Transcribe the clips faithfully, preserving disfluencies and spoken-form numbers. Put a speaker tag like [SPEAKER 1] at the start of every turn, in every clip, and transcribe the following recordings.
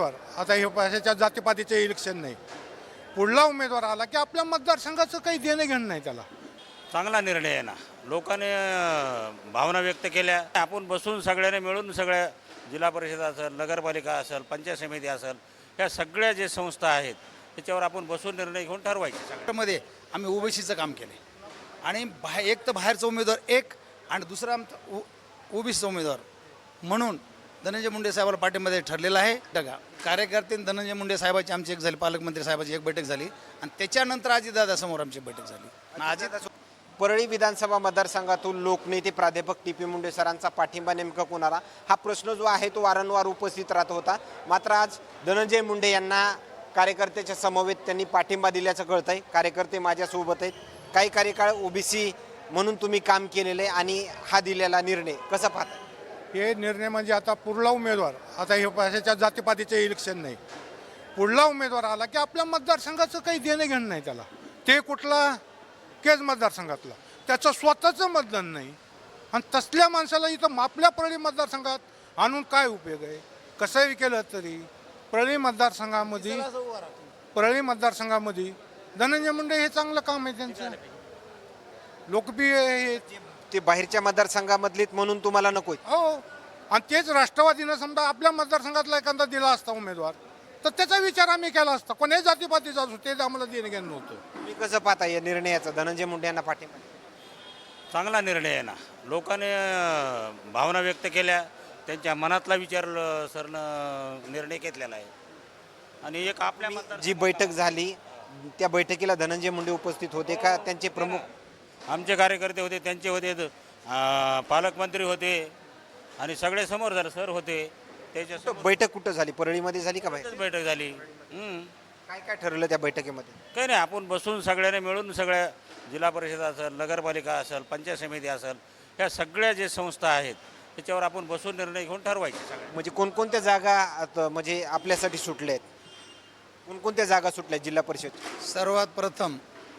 [SPEAKER 1] उमेदवार आता हे ह्याच्या जातीपातीचे इलेक्शन नाही, पुढला उमेदवार आला की आपल्या मतदारसंघाचं काही देणं घेणं नाही त्याला.
[SPEAKER 2] चांगला निर्णय आहे ना. लोकांनी अ, भावना व्यक्त केल्या. आपण बसून सगळ्यांनी मिळून सगळ्या जिल्हा परिषद असेल, नगरपालिका असेल, पंचायत समिती असेल, ह्या सगळ्या जे संस्था आहेत त्याच्यावर आपण बसून निर्णय घेऊन ठरवायचे सगळं.
[SPEAKER 3] मध्ये आम्ही ओबीसीचं काम केलं आणि बाहेर एक तर बाहेरचा उमेदवार एक आणि दुसरा आमचा ओबीसीचा उमेदवार म्हणून धनंजय मुंडे साहेबाला पाठिंबा ठरलेला आहे. बघा, कार्यकर्ते धनंजय मुंडे साहेबाची आमची एक झाली, पालकमंत्री साहेबाची एक बैठक झाली आणि त्याच्यानंतर अजितदादासमोर आमची बैठक झाली. आणि अजित
[SPEAKER 4] परळी विधानसभा मतदारसंघातून लोकनेते प्राध्यापक टी पी मुंडे सरांचा पाठिंबा नेमका कोणाला, हा प्रश्न जो आहे तो वारंवार उपस्थित राहत होता. मात्र आज धनंजय मुंडे यांना कार्यकर्त्याच्या समवेत त्यांनी पाठिंबा दिल्याचं कळतं आहे. कार्यकर्ते माझ्यासोबत आहेत. काही कार्यकाळ ओबीसी म्हणून तुम्ही काम केलेलं आहे आणि हा दिलेला निर्णय कसा पाहता?
[SPEAKER 1] हे निर्णय म्हणजे आता पुढला उमेदवार आता हे ह्याच्या जातीपातीचे इलेक्शन नाही, पुढला उमेदवार आला की आपल्या मतदारसंघाचं काही देणं घेणं नाही त्याला. ते कुठला केज मतदारसंघातला, त्याचं स्वतःचं मतदान नाही आणि तसल्या माणसाला इथं आपल्या परळी मतदारसंघात आणून काय उपयोग आहे? कसंही केलं तरी परळी मतदारसंघामध्ये परळी मतदारसंघामध्ये धनंजय मुंडे हे चांगलं काम आहे त्यांचं, लोकप्रिय आहे
[SPEAKER 4] ते बाहेरच्या मतदारसंघामधलीत म्हणून तुम्हाला नको आहे?
[SPEAKER 1] हो. आणि तेच राष्ट्रवादीनं समजा आपल्या मतदारसंघातला एखादा दिला असता उमेदवार तर त्याचा विचार आम्ही केला असता. कोणाही जातीपातीचा असो ते आम्हाला देणं घेणं नव्हतं.
[SPEAKER 4] तुम्ही कसं पाहता या निर्णयाचा, धनंजय मुंडे यांना पाठिंबा?
[SPEAKER 2] चांगला निर्णय आहे ना. लोकांनी अ, भावना व्यक्त केल्या. त्यांच्या मनातला विचार अ, सरनं निर्णय घेतलेला आहे. आणि एक आपल्या मतदार
[SPEAKER 4] जी बैठक झाली त्या बैठकीला धनंजय मुंडे उपस्थित होते का? त्यांचे प्रमुख
[SPEAKER 2] आमचे कार्यकर्ते होते, त्यांचे होते, अ, पालकमंत्री होते आणि सगळे समोर झाले, सर होते. त्याच्या
[SPEAKER 4] बैठक कुठं झाली? परळीमध्ये झाली का बाहेर?
[SPEAKER 2] बैठक झाली. हम्म.
[SPEAKER 4] काय काय ठरलं त्या बैठकीमध्ये?
[SPEAKER 2] काही नाही, आपण बसून सगळ्यांनी मिळून सगळ्या जिल्हा परिषद असेल, नगरपालिका असेल, पंचायत समिती असेल, ह्या सगळ्या जे संस्था आहेत त्याच्यावर आपण बसून निर्णय घेऊन ठरवायचे सगळ्या.
[SPEAKER 4] म्हणजे कोणकोणत्या जागा आता म्हणजे आपल्यासाठी सुटल्या आहेत? कोणकोणत्या जागा सुटल्या जिल्हा परिषद?
[SPEAKER 3] सर्वात प्रथम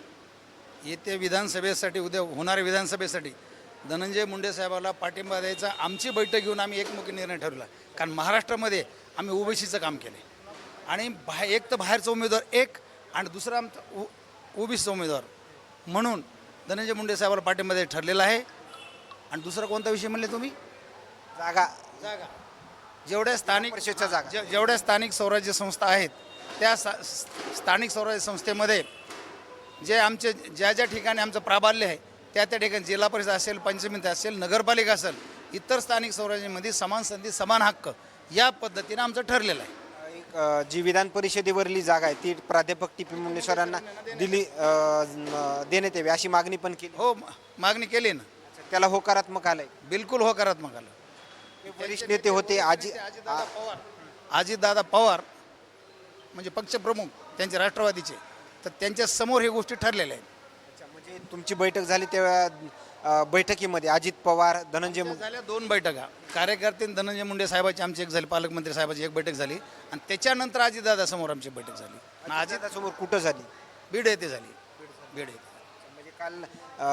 [SPEAKER 3] येत्या विधानसभेसाठी, उद्या होणाऱ्या विधानसभेसाठी धनंजय मुंडे साहेबाला पाठिंबा द्यायचा आमची बैठक घेऊन आम्ही एकमुखी निर्णय ठरवला. कारण महाराष्ट्रामध्ये आम्ही ओबीसीचं काम केलं आणि बाहेर एक तर बाहेरचा उमेदवार एक आणि दुसरा आमचा ओबीसीचा उमेदवार म्हणून धनंजय मुंडे साहेबाला पाठिंबा द्यायचा ठरलेला आहे. आणि दुसरा कोणता विषय म्हणले तुम्ही?
[SPEAKER 4] जागा
[SPEAKER 3] जागा जेवढ्या स्थानिक
[SPEAKER 4] परिषदच्या जागा.
[SPEAKER 3] जे- जेवढ्या स्थानिक स्वराज्य संस्था आहेत त्या सा- स्थानिक स्वराज्य संस्थेमध्ये जे आमचे ज्या ज्या ठिकाणी आमचं प्राबल्य आहे त्या त्या ठिकाणी जिल्हा परिषद असेल, पंचमिती असेल, नगरपालिका असेल, इतर स्थानिक स्वराज्यामध्ये समान संधी समान हक्क या पद्धतीनं आमचं ठरलेलं आहे.
[SPEAKER 4] एक, अ, जी विधान परिषदेवरली जागा आहे ती प्राध्यापक टी पी मुंडे सरांना दिली अ, न- देण्यात यावी अशी मागणी पण केली.
[SPEAKER 3] हो, म- मागणी केली ना,
[SPEAKER 4] त्याला होकारात्मक आलंय.
[SPEAKER 3] बिलकुल होकारात्मक आलं.
[SPEAKER 4] वरिष्ठ नेते होते आजी
[SPEAKER 3] अजितदादा पवार अजितदादा पवार म्हणजे पक्षप्रमुख त्यांचे राष्ट्रवादीचे, तर त्यांच्या समोर हे गोष्टी ठरलेल्या आहेत.
[SPEAKER 4] म्हणजे तुमची बैठक झाली तेव्हा अ, बैठकीमध्ये अजित पवार, धनंजय मुंडे
[SPEAKER 3] झाल्या दोन बैठका. कार्यकर्ते धनंजय मुंडे साहेबाची आमची एक झाली, पालकमंत्री साहेबाची एक बैठक झाली आणि त्याच्यानंतर अजितदादा समोर आमची बैठक झाली. आणि अजित
[SPEAKER 4] अजितदादासमोर कुठं झाली?
[SPEAKER 3] बीड येथे झाली. बीड येथे
[SPEAKER 4] म्हणजे काल अ,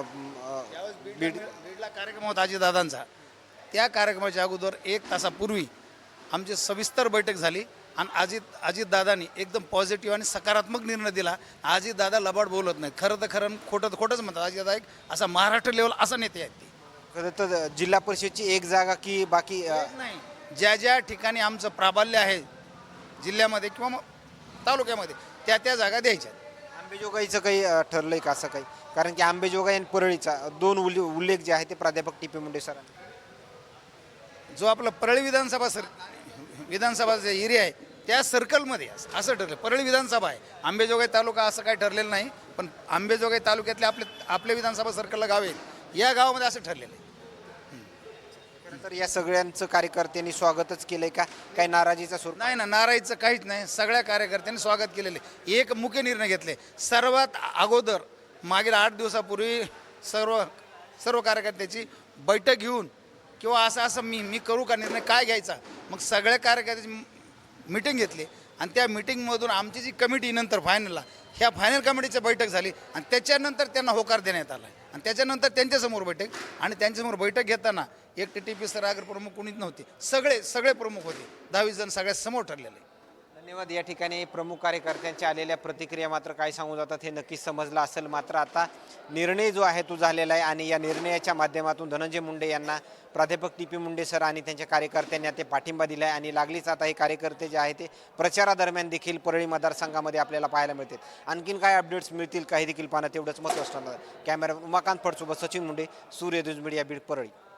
[SPEAKER 4] अ, बीड
[SPEAKER 3] बीडला कार्यक्रम होता अजितदादांचा. त्या कार्यक्रमाच्या अगोदर एक तासापूर्वी आमची सविस्तर बैठक झाली आणि अजित अजितदादांनी एकदम पॉझिटिव्ह आणि सकारात्मक निर्णय दिला. अजितदादा लबाड बोलत नाही, खरं तर खरं, खोटं तर खोटंच म्हणतात. अजितदादा एक असा महाराष्ट्र लेवल असा नेते आहेत ते.
[SPEAKER 4] खरं तर जिल्हा परिषदची एक जागा की बाकी अ,
[SPEAKER 3] नाही, ज्या ज्या ठिकाणी आमचं प्राबल्य आहे जिल्ह्यामध्ये किंवा मग तालुक्यामध्ये त्या त्या जागा द्यायच्या.
[SPEAKER 4] आंबेजोगाईचं काही अ, ठरलंय का असं काही? कारण की आंबेजोगाई आणि परळीचा दोन उल्ले उल्लेख जे आहे ते प्राध्यापक टी पी मुंडे सरांनी.
[SPEAKER 3] जो आपला परळी विधानसभा सर विधानसभाचा एरिया आहे त्या सर्कलमध्ये असं असं ठरलं. परळी विधानसभा आहे, आंबेजोगाई तालुका असं काही ठरलेलं नाही. पण आंबेजोगाई तालुक्यातले आपले आपले विधानसभा सर्कलला गाव आहेत, या गावामध्ये असं ठरलेलं आहे.
[SPEAKER 4] खरं तर या सगळ्यांचं कार्यकर्त्यांनी स्वागतच केलंय का? काही नाराजीचा सूर?
[SPEAKER 3] नाही ना, नारायचं काहीच नाही. सगळ्या कार्यकर्त्यांनी स्वागत केलेले. एक मुख्य निर्णय घेतले. सर्वात अगोदर मागील आठ दिवसापूर्वी सर्व सर्व कार्यकर्त्याची बैठक घेऊन किंवा असं असं मी मी करू का निर्णय काय घ्यायचा, मग सगळ्या कार्यकर्त्याची मिटिंग घेतली आणि त्या मिटिंगमधून आमची जी कमिटी नंतर फायनलला ह्या फायनल कमिटीची बैठक झाली आणि त्याच्यानंतर त्यांना होकार देण्यात आला आणि त्याच्यानंतर त्यांच्यासमोर बैठक आणि त्यांच्यासमोर बैठक घेताना एक टी टी पी सर आगर प्रमुख कोणीच नव्हते, सगळे सगळे प्रमुख होते. दहावीस जण सगळ्यात समोर ठरलेले.
[SPEAKER 4] धन्यवाद. या ठिकाणी प्रमुख कार्यकर्त्यांच्या आलेल्या प्रतिक्रिया मात्र काय सांगू जातात हे नक्कीच समजलं असेल. मात्र आता निर्णय जो आहे तो झालेला आहे आणि या निर्णयाच्या माध्यमातून धनंजय मुंडे यांना प्राध्यापक टी पी मुंडे सर आणि त्यांच्या कार्यकर्त्यांनी ते पाठिंबा दिला आहे आणि लागलीच आता हे कार्यकर्ते जे आहे ते प्रचारादरम्यान देखील परळी मतदारसंघामध्ये आपल्याला पाहायला मिळतील. आणखीन काय अपडेट्स मिळतील काही देखील पाहणं तेवढंच महत्त्वाचं असणार. कॅमेरा उमाकांत फडसोबत सचिन मुंडे, सूर्यदुज मीडिया, बीड, परळी.